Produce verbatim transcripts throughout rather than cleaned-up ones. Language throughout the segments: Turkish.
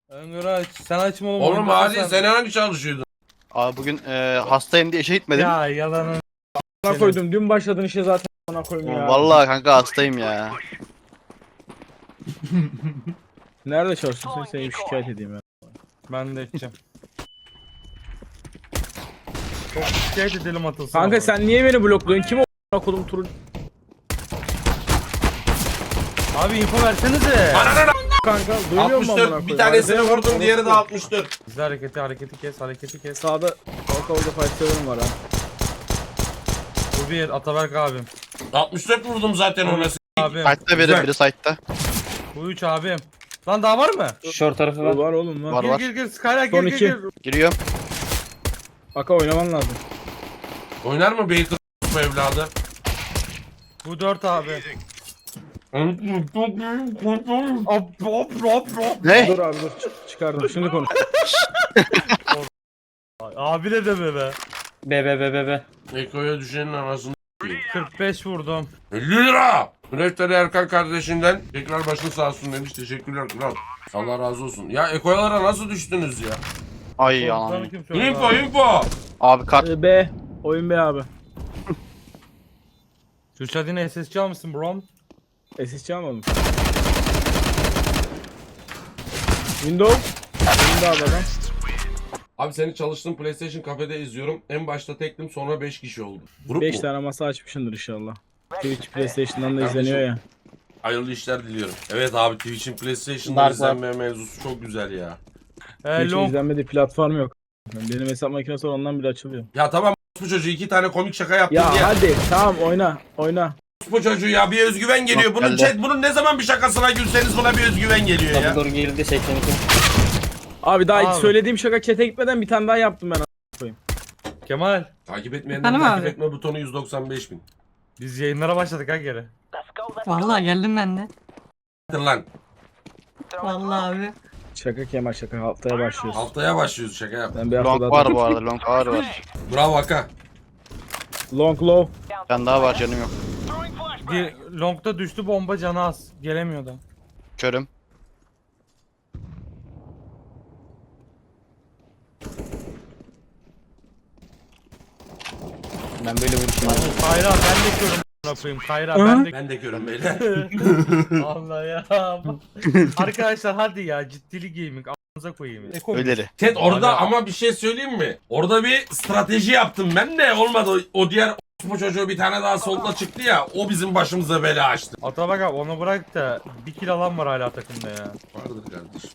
Öngörü aç. Sen açma oğlum. Oğlum oyunda hadi sen- sen hangi çalışıyordun? Abi bugün e, hastayım diye işe gitmedim. Ya yalanın. Ona koydum. Dün başladın işe zaten ona koyayım ya. Vallahi kanka hastayım ya. Nerede çalışıyorsun? Seni bir şikayet edeyim ya. Ben de edeceğim. Çok şikayet edelim atılsın. Kanka ama. sen niye beni blokluyorsun? Kim o kolum turu? Abi info versenize. Ananı Kanka duymuyor musun amına altmış dört koyayım? bir tanesini Arkaya bak, vurdum diğeri de orası- altmış dört. Bize hareketi hareketi kes hareketi kes. Sağda orta orada fightlarım var ha. Bu bir Ataberk abim. altmış dört vurdum zaten ona. Abim. Site'da biri, Güzel. biri site'da. Bu üç abim. Lan daha var mı? Short tarafı var. Var oğlum var. Var Gir var. gir gir Skyler gir Son gir iki. gir. Giriyorum. Aka oynaman lazım. Oynar mı Baker bu evladı? Bu dört abi. Hop hop hop hop. Ne? Dur abi dur. Ç- çıkardım. Şimdi konuş. Abi ne deme be. B B B B B. Eko'ya düşenin anasını kırk beş vurdum. elli lira. Münefteri Erkan kardeşinden tekrar başın sağ olsun demiş. Teşekkürler kral. Allah razı olsun. Ya Eko'yalara nasıl düştünüz ya? Ay Sana anam. kim söyledi Info abi? info. Abi kart. Ee, B. Oyun B abi. Kürşat yine S S C almışsın bro. S S C almadım. Windows. Windows abi adam. Abi seni çalıştığım PlayStation kafede izliyorum. En başta tektim sonra beş kişi oldu. Grup beş mu? tane masa açmışsındır inşallah. Twitch PlayStation'dan da Kardeşim. izleniyor ya. Hayırlı işler diliyorum. Evet abi Twitch'in PlayStation'da Dark izlenme mevzusu çok güzel ya. Ee, Twitch'in long. izlenmediği platform yok. Benim hesap makinesi var, ondan bile açılıyor. Ya tamam bu çocuğu iki tane komik şaka yaptın Ya diye. hadi tamam oyna oyna. Bu çocuğu ya bir özgüven geliyor. Bak Bunun geldi. chat bunun ne zaman bir şakasına gülseniz buna bir özgüven geliyor ya. Double door girdi seksen iki. Abi daha Abi. söylediğim şaka chat'e gitmeden bir tane daha yaptım ben. Kemal. Takip etmeyenler Efendim takip abi? etme butonu yüz doksan beş bin. Biz yayınlara başladık ha geri. Vallahi geldim ben de. Hadi lan. Vallahi abi. Şaka Kemal şaka, haftaya başlıyoruz. Haftaya başlıyoruz şaka yap. Ben bir hafta Long daha var bu arada. Long ağır var. Bravo Aka. Long low. Ben daha var canım yok. Bir long'da düştü bomba canı az. Gelemiyordu. Körüm. Ben böyle vuruşum. Kayra ben de körüm yapayım. Kayra ben de Ben de görün beyler. Allah ya. Arkadaşlar hadi ya ciddili gaming ağzınıza koyayım. Eko Öyleri. Chat orada Hala- ama bir şey söyleyeyim mi? Orada bir strateji yaptım ben de olmadı. O, o diğer bu çocuğu bir tane daha solda çıktı ya. O bizim başımıza bela açtı. Atabak abi onu bırak da bir kill alan var hala takımda ya. Vardır kardeşim.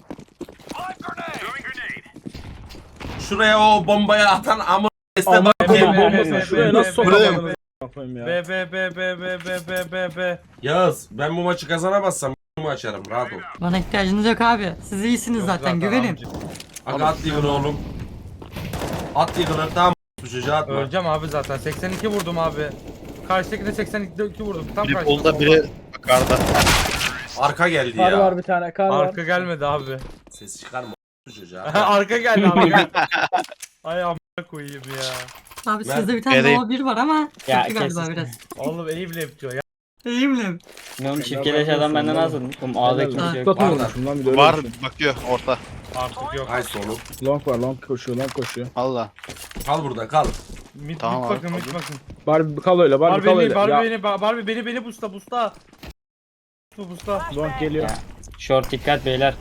Şuraya o bombaya atan amı Aman Be- kodum be- bombasını be- şuraya be- nasıl be- sokamadınız? Yapayım ya. B B B B B B B B B. Yağız ben bu maçı kazanamazsam m***ımı açarım rahat ol. Bana ihtiyacınız yok abi. Siz iyisiniz Yok zaten, güvenin. amca. Aga at yıkını oğlum. At yıkını tamam bu çocuğa atma. Öleceğim abi zaten. seksen iki vurdum abi. Karşıdakine seksen iki vurdum. Tam Biri karşıda. bolda biri yukarıda. Arka geldi Kar ya. var bir tane kar var. Arka gelmedi abi. Ses çıkarma bu çocuğa. Arka geldi abi. Gel. Ay amına koyayım ya. Abi Ben- sizde bir tane Gerek- Nova bir var ama Ya, kötü galiba kesin. biraz. Oğlum eğim yapıyor ya. İyiyim Ne oğlum çift keleş adam benden az vurmuş. Oğlum A'da kimse yok. Tutlatın Var da. vurmuşum lan bir de öyle Var düşün. bakıyor orta. Artık yok. Ay sonu. Long var, long koşuyor, long koşuyor. Allah. Kal burada kal. Mid, Tamam mid abi, bakın mid tabii. bakın. Barbie kal öyle, Barbie Barbie kal beni, öyle. Barbie Ya beni, Ba- Barbie beni beni busta busta. Bu busta. long geliyor. Ya. Short dikkat beyler.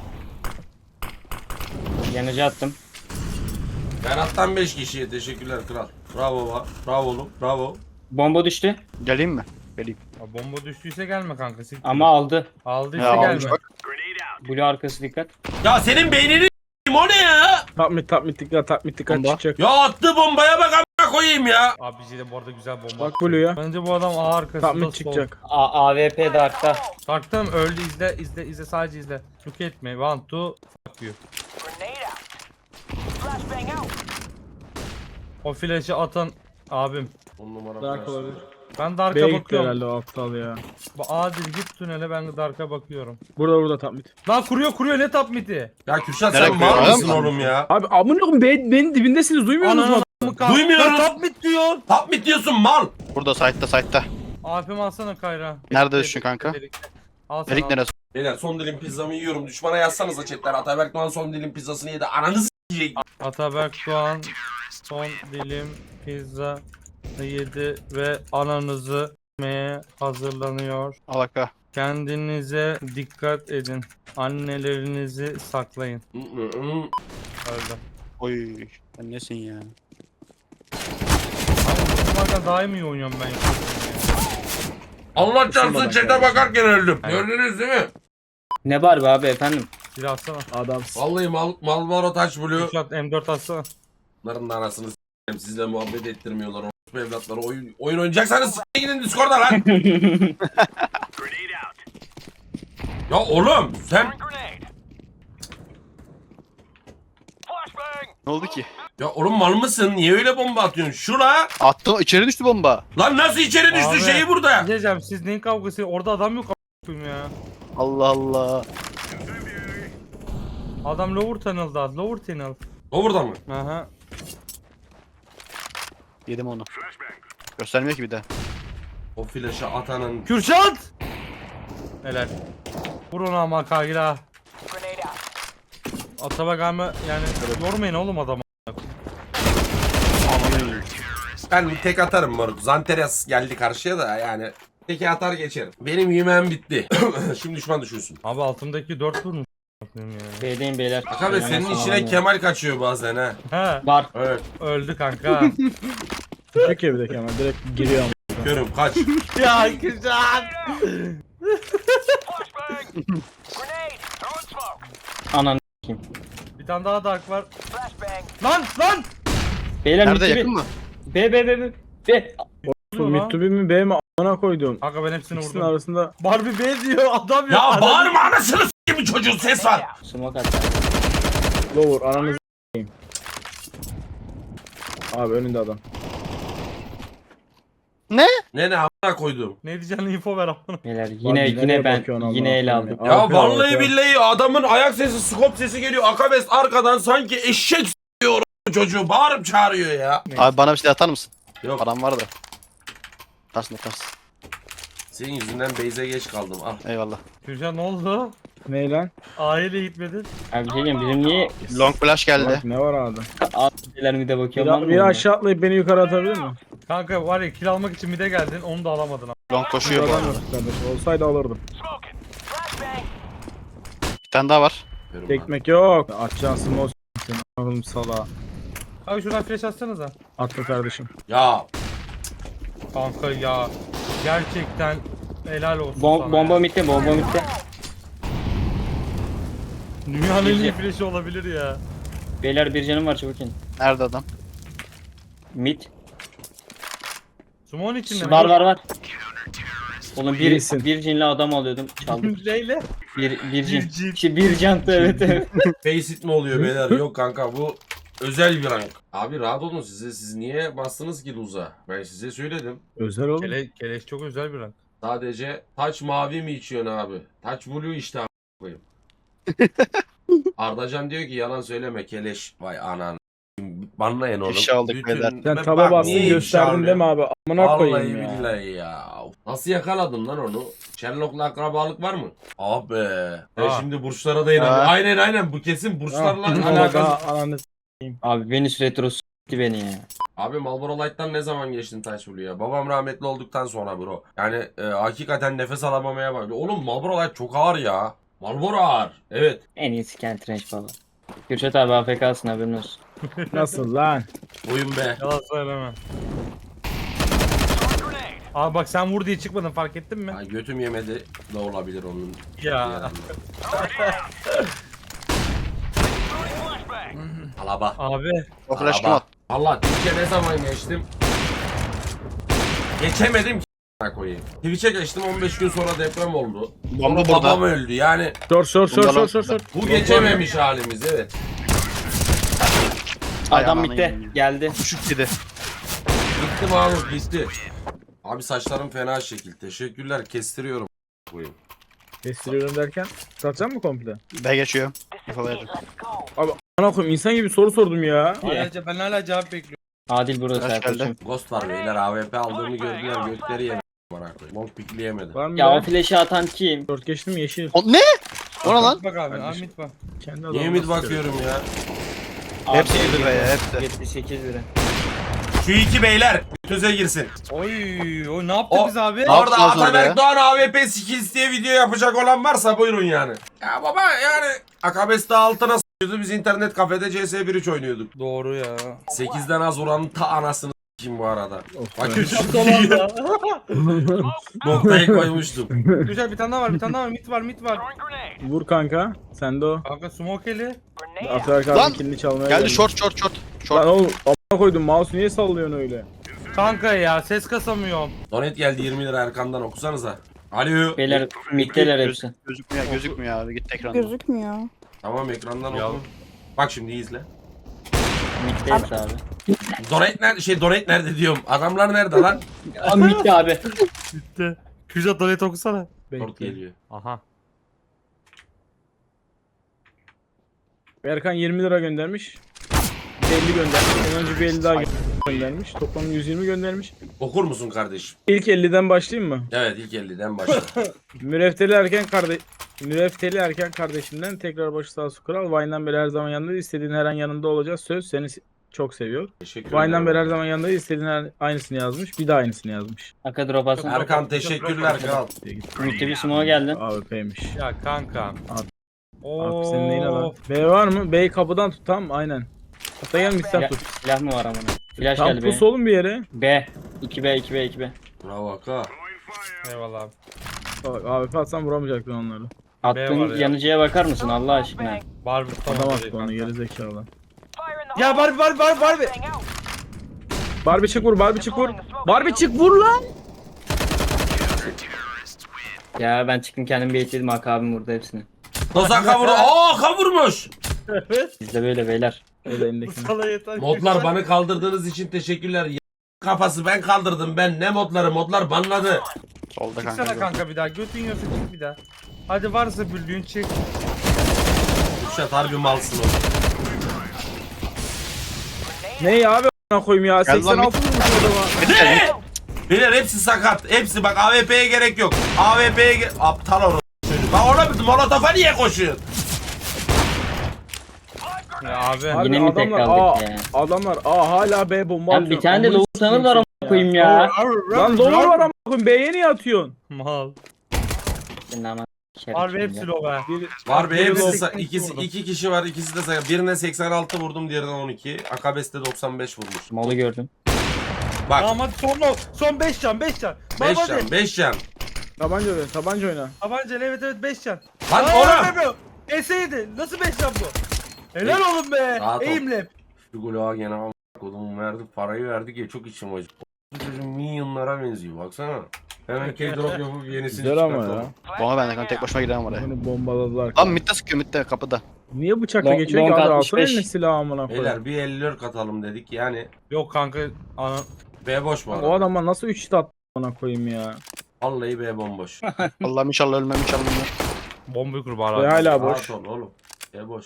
Yanıcı attım. Berat'tan beş kişiye teşekkürler kral. Bravo baba. Bravo oğlum. Bravo. Bomba düştü Geleyim mi? Geleyim. Ya bomba düştüyse gelme kanka. Siktir. ama aldı. Aldıysa Ya gelme. almış bak. Blue arkası dikkat. Ya senin beynini s**eyim, o ne ya? Top mid, top mid dikkat, top mid dikkat Bomba. çıkacak. Ya attı bombaya bak amına koyayım ya. Abi de bu arada güzel bomba. Bak Blue'ya. Bence bu adam A arkasında Top mid sol. çıkacak. A AWP Dark'ta. Taktım öldü izle izle izle sadece izle. Look etme. One two fuck you. O flash'ı atan abim. On numara Dark flash. olabilir. Ben B'ye Dark'a gitti bakıyorum. herhalde o aptal ya. Bu Adil git tünele ben Dark'a bakıyorum. Burada burada top mid. Lan kuruyor kuruyor ne top mid'i? Ya Kürşat Nereye sen mal koyuyor mısın adam? oğlum ya? Abi amına koyayım be- benim dibindesiniz, duymuyor musunuz? Ananı mı kaldı? Duymuyoruz. Lan top mid diyor. Tap mı diyorsun mal? Burada site'da site'da. A P'mi alsana Kayra. Nerede düştün kanka? Al sana, Erik al. neresi? Beyler son dilim pizzamı yiyorum. Düşmana yazsanıza chatten. Ataberk Doğan son dilim pizzasını yedi. Ananızı s**eyim. Ataberk Doğan son dilim pizza yedi ve ananızı s**meye hazırlanıyor. Alaka. Kendinize dikkat edin. Annelerinizi saklayın. Hı hı hı. Öyle. Oy. Sen nesin ya? Abi bunlardan daha iyi oynuyorum ben. Allah çarpsın Isınmadan chat'e kardeşim. bakarken öldüm. Evet. Gördünüz değil mi? Ne var be abi efendim? Silah atsana. Adamsın. Vallahi Mal Malboro Taş Blue. Kürşat M dört atsana. Bunların da anasını s**eyim. Sizle muhabbet ettirmiyorlar. Orospu evlatları oyun, oyun oynayacaksanız s**e gidin Discord'a lan. Ya oğlum sen... Ne oldu ki? Ya oğlum mal mısın? Niye öyle bomba atıyorsun? Şura. Attım içeri düştü bomba. Lan nasıl içeri düştü Abi, şeyi burada? Ne diyeceğim siz neyin kavgası? Orada adam yok a**ayım ya. Allah Allah. Adam lower tunnel'da. Lower tunnel. O burada mı? Aha. Yedim onu. Göstermiyor ki bir de. O flaşı atanın... Kürşat! Helal. Vur onu ama Kagila. Atabak ama yani yormayın oğlum adamı. Ben tek atarım moruk. Zanteres geldi karşıya da yani. Teki atar geçerim. Benim yemeğim bitti. Şimdi düşman düşünsün. Abi altımdaki dört vurmuş. Ya. B'deyim beyler. Akabe senin işine Kemal kaçıyor bazen ha. He. Var. Evet. Öldü kanka. Küçük ya bir de Kemal. Direkt giriyor ama. Görüm kaç. ya Kürşat! Anan. Bir tane daha dark var. Lan lan! Beyler Nerede mid yakın to mı? B. B B B B. Dur Mid lan. to B mi B mi a**ına koydum. Kanka ben hepsini İkisinin vurdum. arasında Barbie B diyor adam yok. Ya Adam- bağırma anasını s**eyim çocuğun ses var. Smoke at. lower ananızı s**eyim. Abi önünde adam. Ne ne amına koydum. Ne diyeceğini info ver amına. Beyler yine Abi yine nereye ben bakıyorsun yine Allah'ım el ya? aldım. Ya Abi, vallahi abi. billahi adamın ayak sesi, skop sesi geliyor. Akabes arkadan sanki eşek s**iyor o çocuğu. Bağırıp çağırıyor ya. Abi bana bir şey atar mısın? Yok. Param var da. Atarsın atarsın. Senin yüzünden Beyze geç kaldım. Al. Eyvallah. Kürşat ne oldu? Ne lan? Aile gitmedin. Abi bir şey diyeyim bizim niye Long flash geldi. Bak, ne var abi? Beyler mide bakıyor Bir, bir aşağı atlayıp beni yukarı atabilir mi? Kanka var ya kill almak için mide geldin onu da alamadın ama. Long koşuyor bu Adam arada. yok kardeşim. Olsaydı alırdım. Bir tane daha var. Görüm lan. Ekmek yok. Atacaksın smoke s**tin. Oğlum sala. Abi şuradan flash atsanıza. Atla kardeşim. Ya Kanka ya. Gerçekten helal olsun Bom sana bomba ya. bitti, bomba bitti. Dünyanın en iyi flash'i olabilir ya. Beyler bir canım var çabuk in. Nerede adam? Mid. Sumon içinde mi? Var var var. Oğlum bir, İyisin. bir cinli adam alıyordum. Çaldım. Leyle. Bir, bir Bir cin. cin. Şey, bir cantı evet evet. Faceit mi oluyor beyler? Yok kanka bu özel bir rank. Abi rahat olun size. Siz niye bastınız ki Luz'a? Ben size söyledim. Özel oğlum. Kele, keleş çok özel bir rank. Sadece taç mavi mi içiyorsun abi? Taç blue işte a** koyayım. Ardacan diyor ki yalan söyleme keleş. Vay anan. Banlayın oğlum. İfşa aldık Bütün- beyler. Sen Bak, taba bastın niye ifşa gösterdin alıyor? değil mi abi? Amına Vallahi koyayım ya. billahi ya. Nasıl yakaladın lan onu? Sherlock'la akrabalık var mı? Ah be. Ben Aa. şimdi burçlara da inanıyorum. Aa. Aynen aynen bu kesin burçlarla Ah, alakalı. daha ananı s**. Abi Venüs retro s**ti beni ya. Abi Marlboro Light'tan ne zaman geçtin Taş Blue'ya? Babam rahmetli olduktan sonra bro. Yani e, hakikaten nefes alamamaya başladı. Oğlum Marlboro Light çok ağır ya. Marlboro ağır. Evet. En iyisi Kent Range baba. Kürşat abi A F K'sın haberin olsun. Nasıl lan? Oyun be. Yalan söyleme. Abi bak sen vur diye çıkmadın fark ettin mi? Ay, götüm yemedi de olabilir onun. Ya. Alaba. Abi. O flash kim Alaba. attı? Allah Twitch'e ne zaman geçtim? Geçemedim ki a**ına koyayım. Twitch'e geçtim on beş gün sonra deprem oldu. Bomba Sonra babam burada. öldü yani. Sor sor sor Bundan sor al- sor sor. Bu geçememiş halimiz evet. Ay, Adam ananı bitti. yiyeyim. Geldi. Düşük yedi. Gitti Mahmut gitti. Abi saçlarım fena şekil. Teşekkürler kestiriyorum koyayım. Kestiriyorum derken satacak mı komple? B geçiyor. Yakalayalım. Abi ana koyayım insan gibi soru sordum ya. Hala, ben hala cevap bekliyorum. Adil burada Flash arkadaşım. geldi. Ghost var beyler A W P aldığımı gördüler gökleri yemiş. amına koyayım. Long pikleyemedim. Var mı Ya o ya? flash'ı atan kim? Dört geçtim yeşil. O, ne? O ne lan? Bak abi Kardeşim. Ahmet bak. Kendi Niye adamına mid sıkıyor. bakıyorum ya? Hepsi yedi be ya, hepsi. yetmiş sekiz lira. Şu iki beyler götünüze girsin. Oy oy ne yaptık O- biz abi? Orada Orada yaptınız orada ya? Ataberk Doğan A W P skills diye video yapacak olan varsa buyurun yani. Ya baba yani Akabes'te altına s**yordu, biz internet kafede C S bir üç oynuyorduk. Doğru ya. sekizden az oranın ta anasını s**eyim bu arada. Of Bak be. Tamam noktayı koymuştum. Güzel bir tane daha var bir tane daha var mit var mit var. Vur kanka. Sen de o. Kanka smokeli. Atarak Lan! abi kilini çalmaya Geldi short short short. Lan Short. oğlum a**a koydum. Mouse niye sallıyorsun öyle? Kanka ya ses kasamıyorum. Donet geldi yirmi lira Erkan'dan okusanıza. Alo. Beyler middeler Göz- hepsi. Gözükmüyor gözükmüyor abi, git ekranda. Gözükmüyor. Tamam ekrandan Ya. oku. Bak şimdi iyi izle. Midde hepsi abi. Donet nerede? Şey Donet nerede diyorum. Adamlar nerede lan? Aa midde abi. Bitti. Kürşat donet okusana. Short Bekle. geliyor. Aha. Erkan yirmi lira göndermiş. elli göndermiş. Ondan önce bir elli daha göndermiş. Toplam yüz yirmi göndermiş. Okur musun kardeşim? İlk elliden başlayayım mı? Evet ilk elliden başla. Mürefteli erken kardeş Mürefteli erken kardeşimden tekrar başı sağ olsun kral. Vine'dan beri her zaman yanında, istediğin her an yanında olacağız. Söz seni s- çok seviyor. Teşekkür Vine'dan ederim. beri her zaman yanında, istediğin her aynısını yazmış. Bir daha aynısını yazmış. Aka drop atsın. Erkan teşekkürler kral. Midde bir smoke geldi. A W P'ymiş. Ya kanka. Abi- Oo. Abi senin neyine lan? B var mı? B'yi kapıdan tut, tamam aynen. Hatta gel midden Silah, tut. silah mı var amına? Flash Tam geldi pus be. oğlum bir yere. B. iki B iki B iki B. Bravo Aka. Eyvallah abi. Bak A W P atsan vuramayacaktın onları. Attığın var ya. yanıcıya bakar mısın Allah aşkına? Barbie Adam tamam. attı onu, geri zekalı. Ya Barbie Barbie Barbie Barbie. Barbie çık vur, Barbie çık vur. Barbie çık vur lan. Ya ben çıktım kendim baitledim Aka abim vurdu hepsini. Nasıl Aka vurdu? Aa Aka vurmuş. Evet. Biz de böyle beyler. Öyle elindekini. Sana yeter. Modlar bana kaldırdığınız için teşekkürler. Y- Kafası ben kaldırdım ben. Ne modları? Modlar banladı. Solda Çıksana kanka. kanka bir daha. Götün yiyorsa çık bir daha. Hadi varsa büllüğün çık. Kürşat harbi malsın oğlum. Ne ya abi a**ına koyayım ya? Gel lan seksen altı vurmuş adama. Ne? Beyler hepsi sakat. Hepsi bak A W P'ye gerek yok. A W P'ye ge- aptal or çocuk. Bak ona bir molotofa niye koşuyorsun? Ya abi. Abi Yine mi tek adamlar kaldık A, ya? adamlar A hala B bomba Lan atıyor. bir tane de Amına low sanır sikeyim var seni amına koyayım ya. Lan lower var ama koyayım, B'ye niye atıyorsun? Mal. Senin aman Harbi şerefsiz hepsi ya. low ha. Bir, Var be Biri hepsi seksen sa- iki ikisi vurdum. iki kişi var ikisi de sakat. Birine seksen altı vurdum diğerine on iki. Akabes'te doksan beş vurmuş. Malı gördüm. Bak Tamam hadi son low. Son beş can beş can. Bak beş hadi. can beş can. tabanca oyna, tabanca oyna. Tabanca evet evet beş can. Lan Aa, oğlum. S yedi. Nasıl beş can bu? Helal oğlum be. Rahat ol. Eğimle. Şu golü gene ama kodumu verdik parayı verdik ya çok içim acı. Bu çocuğun milyonlara benziyor baksana. Hemen K-drop yapıp yenisini Güzel ama ya. çıkartalım. Bomba bende kanka, tek başıma giremem oraya. Bunu bombaladılar. Lan midde sıkıyor, midde kapıda. Niye bıçakla Long- geçiyor ki? long Hadi altmış alsana beş. eline silahı amına koyayım. Beyler bir elli lira katalım dedik yani. Yok kanka. Ana. B boş bu O arada. adama nasıl üç tat amına koyayım ya. Vallahi B bomboş. Allah'ım inşallah ölmem, inşallah ölmem. Bombayı kur Ve bari. hala boş. Rahat ol oğlum. B boş.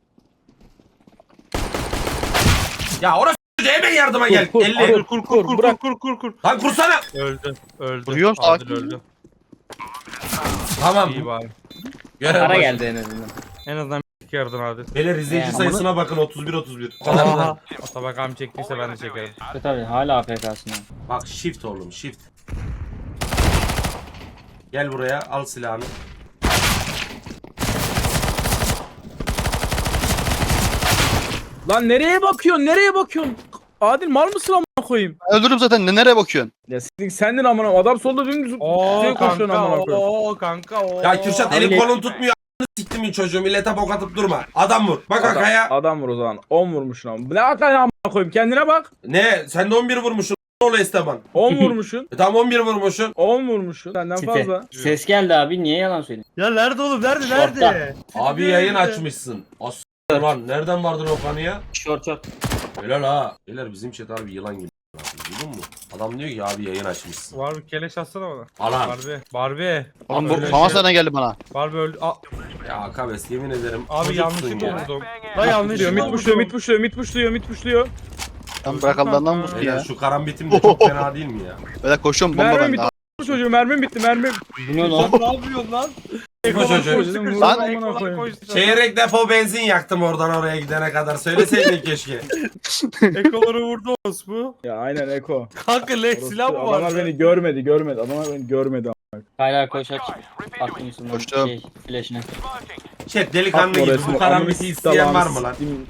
Ya orası hemen yardıma gel. kur, elli. Kur kur kur kur Bırak. kur kur kur. Lan kursana. Öldü. Öldü. Vuruyorum, Adil sakin. öldü. Tamam. İyi bari. Görev Para boş. geldi en azından. En azından bir yaradın abi. Beyler izleyici Yani. sayısına bakın otuz bir otuz bir. O kadar Aha. da. Atabakam çektiyse ben de çekerim. Evet tabii hala A F K'sın ya. Bak shift oğlum shift. Gel buraya al silahını. Lan nereye bakıyorsun? Nereye bakıyorsun? Adil mal mısın amına koyayım? Öldürürüm zaten, ne nereye bakıyorsun? Ya sizin sendin amına. Adam solda dümdüz Oo şuraya koşuyorsun kanka amına koyayım. oo kanka oo. Ya Kürşat elin Abi- kolun tutmuyor. A**ını siktim mi çocuğu millete bok atıp durma. Adam vur. Bak Adam, Akaya. adam vur o zaman. on vurmuşsun ama. Ne akaya amına koyayım? Kendine bak. Ne? Sen de on bir vurmuşsun. Ne oluyor Esteban? on vurmuşsun. E tamam on bir vurmuşsun. on vurmuşsun. Senden Site. fazla. Ses geldi abi niye yalan söylüyorsun? Ya nerede oğlum nerede Şortta. nerede? Abi yayın açmışsın. As lan nereden vardın o kanıya? Short short. Helal ha. Beyler bizim chat harbi yılan gibi. Duydun mu? Adam diyor ki abi yayın açmışsın. Var bir keleş atsana bana. Alan. Barbie. Barbie. Oğlum öyle bu şey- famas nereden geldi bana? Barbie öldü. Aa, Ya Akabes yemin ederim. abi çocuksun yanlışlıkla ya. vurdum. La Diyor, yanlışlıkla mit vurdum. puşluyor, mit puşluyor, mit puşluyor, mit puşluyor. Tam bırak Allah'ından vursun Beyler ya. şu karambitim de çok fena değil mi ya? Böyle koşuyorum, bomba Merve bende. mit ha. çocuğu mermim bitti mermim. Bu ne lan? ne yapıyorsun lan? Bu çocuğu. Dedim, vurdum Lan- amına koyayım. Çeyrek depo benzin yaktım oradan oraya gidene kadar. Söyleseydin keşke. Ekoları vurdu bu. Ya aynen Eko. Kanka le silah mı var? Adamlar beni görmedi görmedi. Adamlar beni görmedi. Hala koş aç. Attım üstünden Koştum. şey flash'ine. Chat delikanlı Atma gibi resmi, bu karambiti ananı isteyen var mı silahını lan? sikeyim.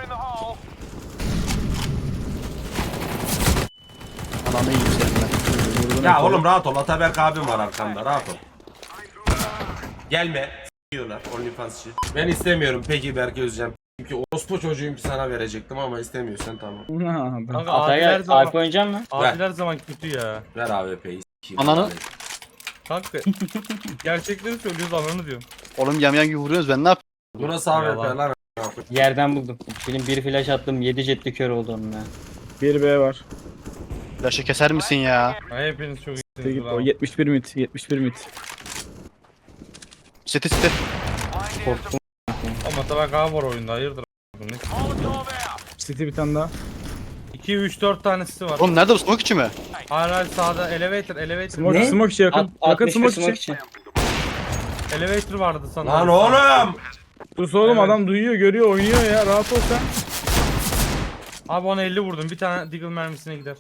Ananı yiyeyim senin ben. Vurdun Ya Eko'yu. oğlum rahat ol. Ataberk abim var arkamda. Rahat ol. Gelme. Diyorlar OnlyFansçı. Ben istemiyorum peki Berke Özcan. Çünkü orospu çocuğum ki sana verecektim ama istemiyorsan tamam. Ha, ben- Kanka Adil her Ataya zaman, Alp oynayacak mı? Adil her zaman kötü ya. Ver A W P'yi. s**eyim. Ananı- Kanka gerçekleri söylüyoruz ananı diyorum. Oğlum yamyan gibi vuruyoruz ben ne yapayım? Burası A W P Yalan. lan. Yerden buldum. Benim bir flash attım yedi jetli kör oldu onun ya. bir B var. Flaşı keser misin ya? Ay, hepiniz çok Git iyisiniz. o bravo. yetmiş bir mit. yetmiş bir mit. Siti siti. Korktum. Ama tabak A var oyunda hayırdır. Bu ne? City bir tane daha. iki üç dört tanesi var. Oğlum nerede bu smoke içi mi? Hayır hayır sağda elevator elevator. Smoke, Ne? smoke içi yakın. At, yakın altmış smoke, smoke içi. için. Elevator vardı sanırım. Lan oğlum. Sus oğlum Evet. adam duyuyor görüyor oynuyor ya rahat ol sen. Abi ona elli vurdum. Bir tane Deagle mermisine gider.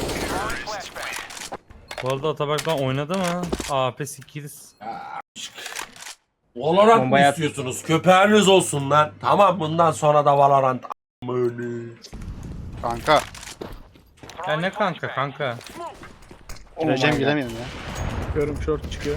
Bu arada Atabak'tan oynadı mı? A P sekiz. Valorant mı Bombaya at. istiyorsunuz? Köpeğiniz olsun lan. Tamam bundan sonra da Valorant. Böyle. Kanka. Ya ne kanka kanka. Oh Gireceğim my God. giremiyorum ya. Çıkıyorum short çıkıyor.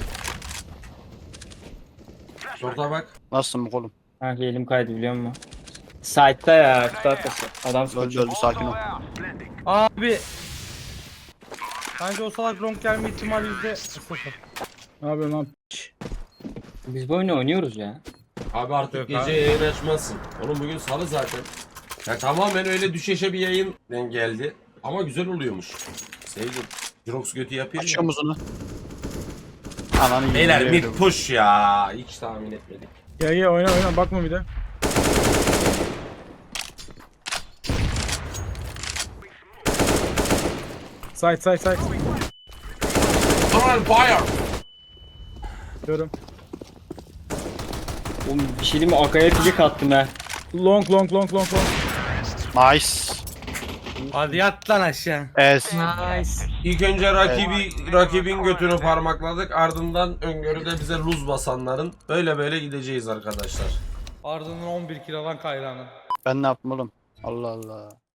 Şorta bak. Nasılsın smoke oğlum? Kanka elim kaydı biliyor musun? Site'da ya. Kutu arkası. Adam Öldü sıkıyor. öldü sakin ol. Abi. Bence o salak long gelme ihtimali yüzde sıfır. Ne yapıyorsun lan? Biz bu oyunu oynuyoruz ya. Abi artık Yok gece abi. yayın açmazsın. Oğlum bugün salı zaten. Ya tamamen öyle düşeşe bir yayın geldi. Ama güzel oluyormuş. Sevdim. Jirox götü yapayım Açıyor ya. muzunu. Ananı yiyeyim. Beyler yemin mid ediyorum. push ya. Hiç tahmin etmedik. Gel gel oyna oyna bakma bir de. Side side side. Tunnel fire. Diyorum. Oğlum bir şey diyeyim mi? Akaya picik attım ha. Long long long long long. Nice. Hadi yat lan aşağı. Ez. Nice. İlk önce rakibi rakibin götünü parmakladık. Ardından öngörüde bize luz basanların böyle böyle gideceğiz arkadaşlar. Ardından on bir kilo lan kayrağını. Ben ne yaptım oğlum? Allah Allah.